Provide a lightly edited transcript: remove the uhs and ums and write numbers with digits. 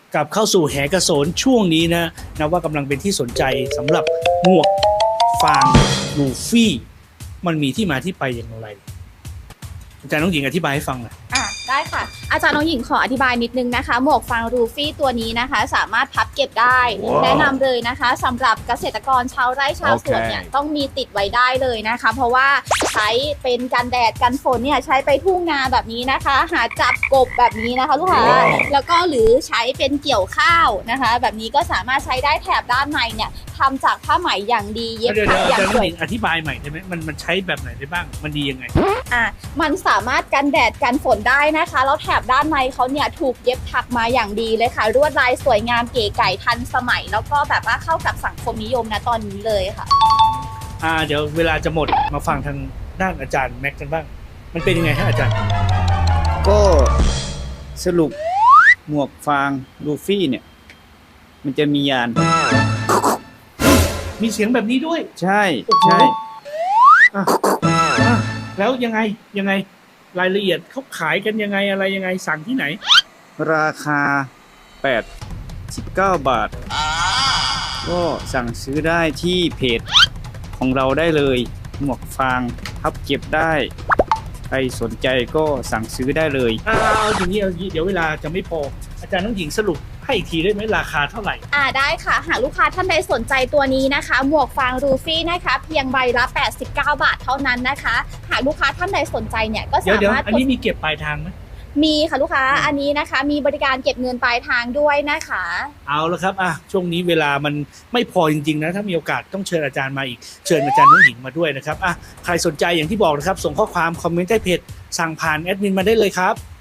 กลับเข้าสู่แหกระโสนช่วงนี้นะว่ากำลังเป็นที่สนใจสำหรับหมวกฟางลูฟี่มันมีที่มาที่ไปอย่างไรอาจารย์น้องหญิงอธิบายให้ฟังหน่อยได้ค่ะอาจารย์น้องหญิงขออธิบายนิดนึงนะคะหมวกฟางรูฟี่ตัวนี้นะคะสามารถพับเก็บได้ แนะนำเลยนะคะสำหรับเกษตรกรชาวไร่ชาวสวนเนี่ยต้องมีติดไว้ได้เลยนะคะเพราะว่าใช้เป็นกันแดดกันฝนเนี่ยใช้ไปทุ่งนาแบบนี้นะคะหาจับกบแบบนี้นะคะลูกค้าแล้วก็หรือใช้เป็นเกี่ยวข้าวนะคะแบบนี้ก็สามารถใช้ได้แถบด้านในเนี่ยทำจากผ้าไหมอย่างดีเย็บถักอย่างสวยอธิบายใหม่ได้ไหมมันใช้แบบไหนได้บ้างมันดียังไงมันสามารถกันแดดกันฝนได้นะคะแล้วแถบด้านในเขาเนี่ยถูกเย็บถักมาอย่างดีเลยค่ะลวดลายสวยงามเก๋ไก๋ทันสมัยแล้วก็แบบว่าเข้ากับสังคมนิยมนะตอนนี้เลยค่ะเดี๋ยวเวลาจะหมดมาฟังทางด้านอาจารย์แม็กกันบ้างมันเป็นยังไงฮะอาจารย์ก็สรุปหมวกฟางลูฟี่เนี่ยมันจะมียานมีเสียงแบบนี้ด้วยใช่ใช่แล้วยังไงรายละเอียดเขาขายกันยังไงอะไรยังไงสั่งที่ไหนราคา89 บาทก็สั่งซื้อได้ที่เพจของเราได้เลยหมวกฟางพับเก็บได้ใครสนใจก็สั่งซื้อได้เลยเอาอย่างนี้เดี๋ยวเวลาจะไม่พออาจารย์น้องหญิงสรุปให้อีกทีได้ไหมราคาเท่าไหร่ได้ค่ะหากลูกค้าท่านใดสนใจตัวนี้นะคะหมวกฟางรูฟี่นะคะเพียงใบละ89 บาทเท่านั้นนะคะหากลูกค้าท่านใดสนใจเนี่ยก็สามารถอันนี้มีเก็บปลายทางไหมมีค่ะลูกค้าอันนี้นะคะมีบริการเก็บเงินปลายทางด้วยนะคะเอาละครับช่วงนี้เวลามันไม่พอจริงๆนะถ้ามีโอกาสต้องเชิญอาจารย์มาอีกเชิญอาจารย์น้องหญิงมาด้วยนะครับใครสนใจอย่างที่บอกนะครับส่งข้อความคอมเมนต์ใต้เพจสั่งผ่านแอดมินมาได้เลยครับ